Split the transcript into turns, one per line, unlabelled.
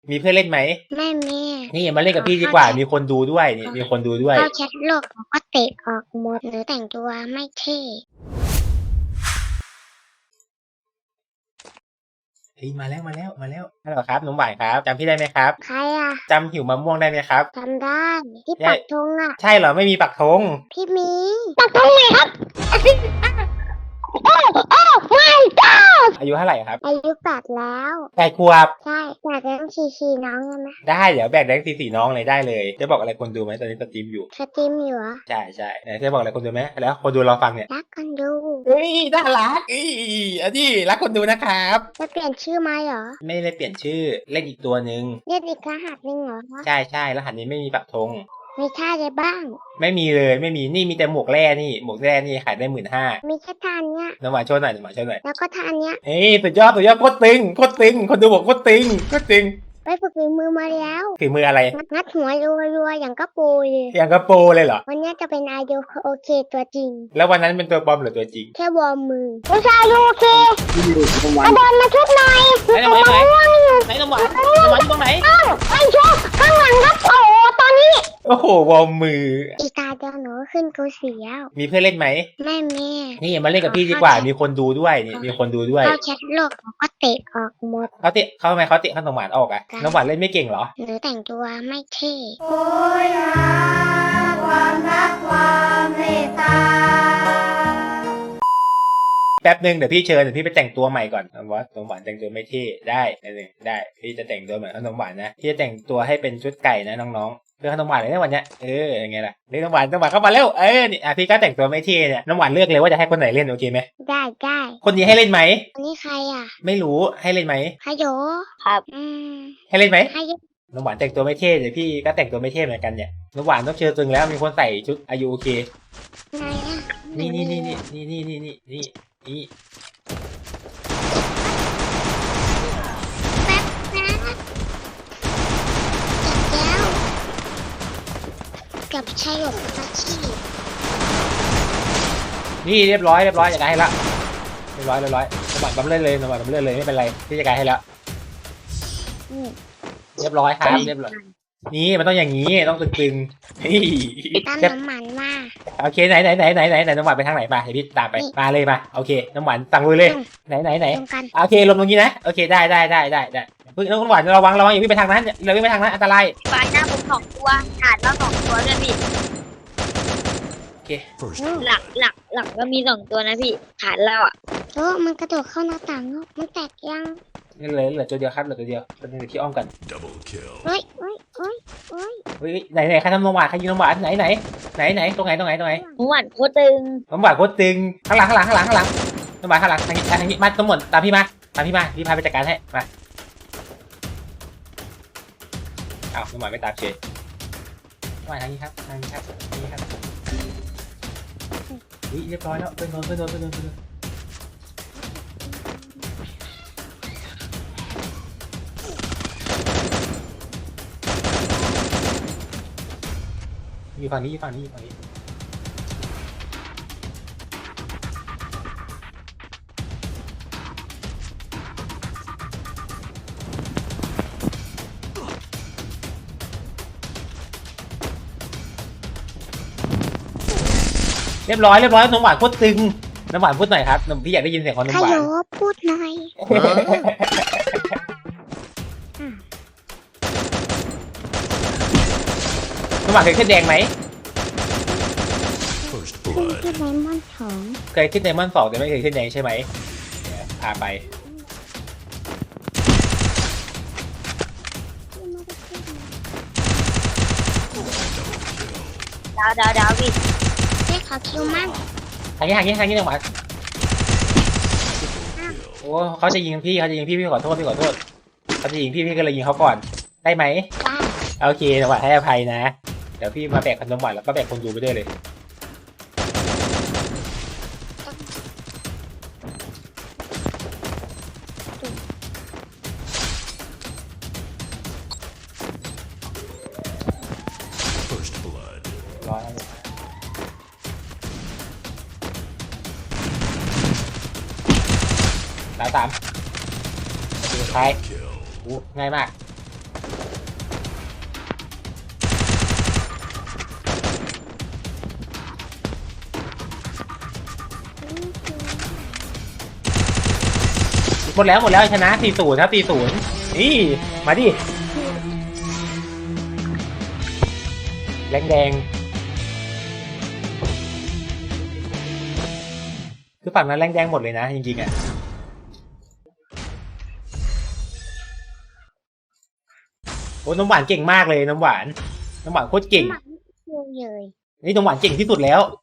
มีเพื่อนเล่นไหม
ไม่มี
นี่มาเล่นกับพี่ดีกว่ามีคนดูด้วยนี่มีคนดูด้วย
เข้าแชทโลกก็เตะออกหมดหรือแต่งตัวไม่เท่
เฮ้ยมาแล้วฮัลโหลครับน้องหวานครับจำพี่ได้ไหมครับ
ใครอ่ะ
จำหิวมะม่วงได้ไหมครับ
จำได้ที่ปักธงอ่ะ
ใช่เหรอไม่มีปักธง
พี่มีปักธงไหนครับโอ้ไม่จ้า
อายุเท่าไหร่ครับ
อายุ8แล้ว
8 ขวบ
ใช่อยากเล่นชีน้องได้ไหม
ได้เดี๋ยวแบ่งแดงสีน้องเลยได้เลยจะบอกอะไรคนดูไหมตอนนี้สตรีมอยู่
สตรีมอยู่เหรอ
ใช่ไหนจะบอกอะไรคนดูไหมแล้วคนดูรอฟังเนี่ย
รักกันดู
เฮ้ยน่ารักอันนี้รักคนดูนะครับ
จะเปลี่ยนชื่อไหมเหรอ
ไม่ได้เปลี่ยนชื่อเล่นอีกตัวหนึ่ง
เรียกอีกรหัสหนึ่งเหรอ
ใช่รหัสนี้ไม่มีปักธง
มีท่าอะไรบ้าง
ไม่มีเลยไม่มีนี่มีแต่หมวกแร่นี่หมวกแร่นี่ขายได้15,000
มีแค่ท่าเนี้ย
น้ำหวานโชว์หน่อย
แล้วก็ท่าเนี้ย
เฮ้ยสุดยอดโคตรตึงคนดูบอกโคตรตึง
ไปฝึกฝีมือมาแล้ว
ฝีมืออะไร
งัดหัวรัวๆอย่างกระปูเลย
อย่างกระโปรเลยเหรอ
วันนี้จะเป็นอายุโอเคตัวจริง
แล้ววันนั้นเป็นตัวปลอมหรือตัวจริง
แค่วอร์มมือผู้ชายโอเคกระโดดมาชุดหน่อย
ไหนน้ำหวานไหนน้ำหวานอยู่ตรงไหน
ไอ้ชุดข้างหลังครับโอ้ตอนนี้
โอ้โหวอร์มมือ
อีตาเดียวหนูขึ้นกูเสียว
มีเพื่อนเล่นไหม
ไม่มี
นี่มาเล่นกับพี่ดีกว่ามีคนดูด้วยนี่มีคนดูด้วย
เข้าแชทโลกก็เตะออกหมด
เขาเตะเขาทำไมเขาเตะน้ำหวานออกอะน้ำหวานเล่นไม่เก่งเหรอ
หรือแต่งตัวไม่เท่
โอ้ยหาความรักความเมตตา
แป๊บนึงเดี๋ยวพี่ไปแต่งตัวใหม่ก่อนน้ำหวานแต่งตัวไม่เท่ได้ได้พี่จะแต่งตัวเหมือนน้ำหวานนะพี่จะแต่งตัวให้เป็นชุดไก่นะน้องๆเรื่องน้ำหวานเลยนะวันเนี้ยยังไงล่ะเรื่องน้ำหวานเข้ามาเร็วนี่พี่ก็แต่งตัวไม่เท่เนี่ยน้ำหวานเลือกเลยว่าจะให้คนไหนเล่นโอเคไหม
ได้
คนนี้ให้เล่นไหม
คนนี้ใครอ่ะ
ไม่รู้ให้เล่นไหม
ฮโยครับ
ให้เล่นไหม
ฮโย
น้ำหวานแต่งตัวไม่เท่เดี๋ยวพี่ก็แต่งตัวไม่เท่เหมือนกันเนี่ยน้ำหวานต้องเชิญตึงแล้วมีคนใส่ชุดอายุโอเค
ไหนอ่ะ
นี่
แป๊บนะกับชายหยกอาชีพ
นี่เรียบร้อยจัดการให้ละเรียบร้อยน้ำหวานบัมเล่นเลยไม่เป็นไรพี่จัดการให้แล้วเรียบร้อยครับเรียบร้อยนี่มันต้องอย่างนี้ต้องตึง
ตามน้ำมันมา
โอเคไหนน้ำหวานไปทางไหนมาเดี๋ยวพี่ตามไปมาเลยมาโอเคน้ำหวานตังเลยไหนโอเคลงตรงนี้นะโอเคได้พึ่งน้ำหวานระวังอย่าวิ่งไปทางนั้นเราวิ่งไปทางนั้นอันตราย
ปลายหน้าผม2 ตัวฐานแล้ว2 ตัวด้วยพี่
โอเค
หลักก็มี2 ตัวนะพี่ฐานเราอ่ะ
มันกระโดดเข้าหน้าต่างมันแตกยัง
เหลือตัวเดียวครับเหลือตัวเดียวเป็นหนึ่งที่อ้อมกัน
เฮ้ย
ไหนใครทำน้ำหวานใครยิงน้ำหวานไหนตรงไหน
น้ำหวานโคตรตึง
น้ำหวานโคตรตึงข้างหลังน้ำหวานข้างหลังทางนี้มาทั้งหมดตามพี่มาพี่พาไปจัดการให้มาอ้าวน้ำหวานไม่ตามเฉยน้ำหวานทางนี้ครับเรียบร้อยแล้วไปโดนอยู่ฝั่งนี้เรียบร้อยน้ำหวานโคตรตึงน้ำหวานพูดหน่อยครับพี่อยากได้ยินเสียงของน้ำหวาน
พูดหน่อย
น้ำหวานเคยขึ้นแดงไหม
ขึ้นไดมอนด์2
เคยขึ้นไดมอนด์2แต่ไม่เคยขึ้นแดงใช่ไหมพาไป
ดาวพี่
ขอคิวมั่ง
ทางนี้จังหวะโอ้เขาจะยิงพี่พี่ขอโทษเขาจะยิงพี่ก็เลยยิงเขาก่อนได้ไหมโอเคจังหวะให้อภัยนะเดี๋ยวพี่มาแบกขนมหวานแล้วก็แบกคนดูไปด้วยเลยร้อย3สุดท้ายง่ายมากหมดแล้วชนะ40ครับ40นี่มาดิแรงแดงคือฝั่งนั้นแรงแดงหมดเลยนะจริงๆอ่ะโอ้น้ำหวานเก่งมากเลยน้ำหวานโคตรเก่ง
เยอะเลย
นี่น้ำหวานเก่งที่สุดแล้ว